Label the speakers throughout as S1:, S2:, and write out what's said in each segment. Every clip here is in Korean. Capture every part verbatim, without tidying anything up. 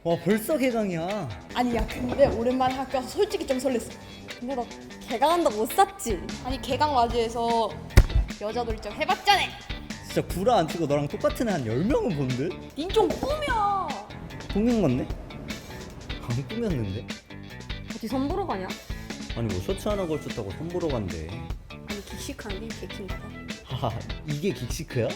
S1: 와 벌써 개강이야.
S2: 아니 야 근데 오랜만에 학교 와서 솔직히 좀 설렜어.
S3: 근데 너 개강한다고 못 샀지?
S2: 아니 개강 맞이해서 여자 놀이터 해봤잖아.
S1: 진짜 구라 안 치고 너랑 똑같은 애 한 열 명은 본 듯?
S2: 닌 좀 꾸며.
S1: 꾸민 건데? 안 꾸몄는데?
S3: 어디 선보러 가냐?
S1: 아니 뭐 셔츠 하나 걸쳤다고 선보러 간대.
S2: 아니 기식한 게 개킹가 봐.
S1: 하하 이게 긱시크야?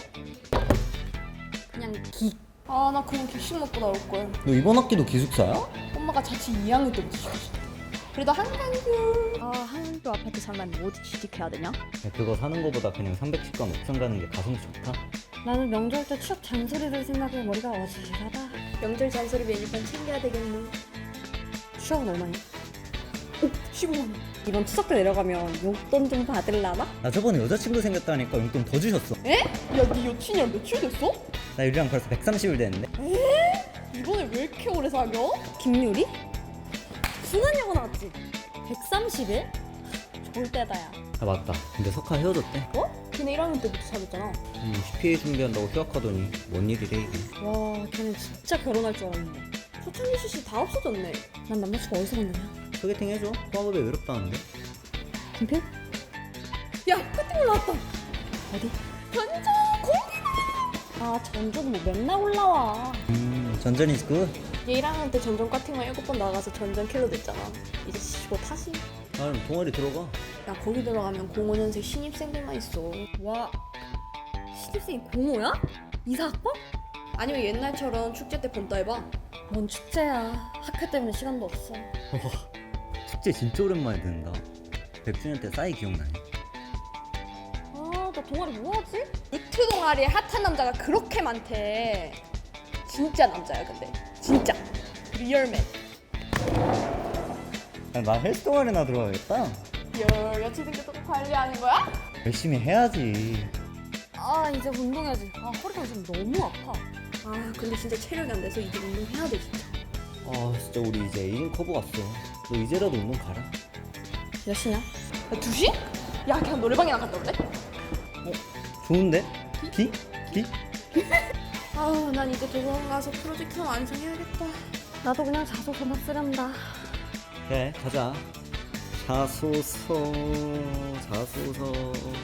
S3: 그냥 기.
S2: 아 나 그냥 기식 먹고 나올 걸.
S1: 너 이번 학기도 기숙사야?
S2: 엄마가 자취 이 학년 때부터 시켰어. 그래도 한강뷰.
S3: 아 한도 아파트 살면 어디 취직해야 되냐?
S1: 야, 그거 사는 거보다 그냥 삼백십관 옥상 가는 게 가성비 좋다.
S3: 나는 명절 때 추억 잔소리를 생각해 머리가 어지러하다.
S2: 명절 잔소리 메뉴판 챙겨야 되겠네.
S3: 추억은 얼마냐?
S2: 십오만 원.
S3: 이번 추석 때 내려가면 용돈 좀 받을라나?
S1: 나 저번에 여자친구 생겼다니까 용돈 더 주셨어.
S2: 에? 야네 여친이랑 며칠 됐어?
S1: 나 유리랑 벌써 백삼십 일 됐는데.
S2: 이번에 왜 이렇게 오래 사겨?
S3: 김유리? 순환여고 나왔지? 백삼십 일? 좋을 때다 야.
S1: 아 맞다. 근데 석하 헤어졌대.
S2: 어? 걔네 일 학년 때부터 사귀었잖아.
S1: 음, 씨피에이 준비한다고 휴학하더니 뭔 일이래 이게.
S3: 와 걔는 진짜 결혼할 줄 알았는데.
S2: 초창기 씨씨 다 없어졌네.
S3: 난 남자친구 어디서 만나냐?
S1: 소개팅 해줘. 화업에 외롭다는데.
S3: 김필?
S2: 야 커팅 올라왔다.
S3: 어디?
S2: 전자 공개.
S3: 아 전주는 뭐 맨날 올라와.
S1: 음 전전이 굿.
S2: 얘 일 학년 때 전전 커팅만 일곱 번 나가서 전전 킬로 됐잖아. 이제 쉬고 타시.
S1: 아 그럼 동아리 들어가.
S2: 야 거기 들어가면 공오 년생 신입생들만 있어.
S3: 와 신입생이 공오야? 이사학번?
S2: 아니면 옛날처럼 축제 때 본따 해봐.
S3: 뭔 축제야. 학교 때문에 시간도 없어.
S1: 축제 진짜 오랜만에 듣는다. 백 주년 때 싸이 기억나니?
S3: 아, 나 동아리 뭐 하지?
S2: 유튜 동아리에 핫한 남자가 그렇게 많대. 진짜 남자야 근데. 진짜. 리얼맨.
S1: 야, 나 헬스 동아리나 들어가야겠다.
S2: 열 여친 생겨서 관리하는 거야?
S1: 열심히 해야지.
S3: 아, 이제 운동해야지. 아, 허리가 지금 너무 아파.
S2: 아 근데 진짜 체력이 안 돼서 이제 운동해야 돼 진짜.
S1: 아 진짜 우리 이제 에이징 커브 갔어. 너 이제라도 운동 가라.
S3: 몇 시냐?
S2: 야 두 시? 야 그냥 노래방이나 갔다 올래?
S1: 좋은데? 기? 기?
S2: 아우 난 이제 도서관 가서 프로젝트 완성해야겠다.
S3: 나도 그냥 자소서만 쓰련다.
S1: 그래 가자. 자소서 자소서.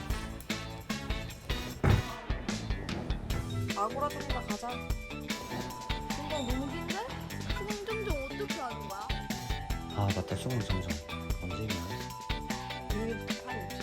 S2: 아고라든가 가자. 근데 너무 긴데? 수능 점정 어떻게 하는 거야?
S1: 아 맞다 수능 점정 언제냐?
S2: 이게 팔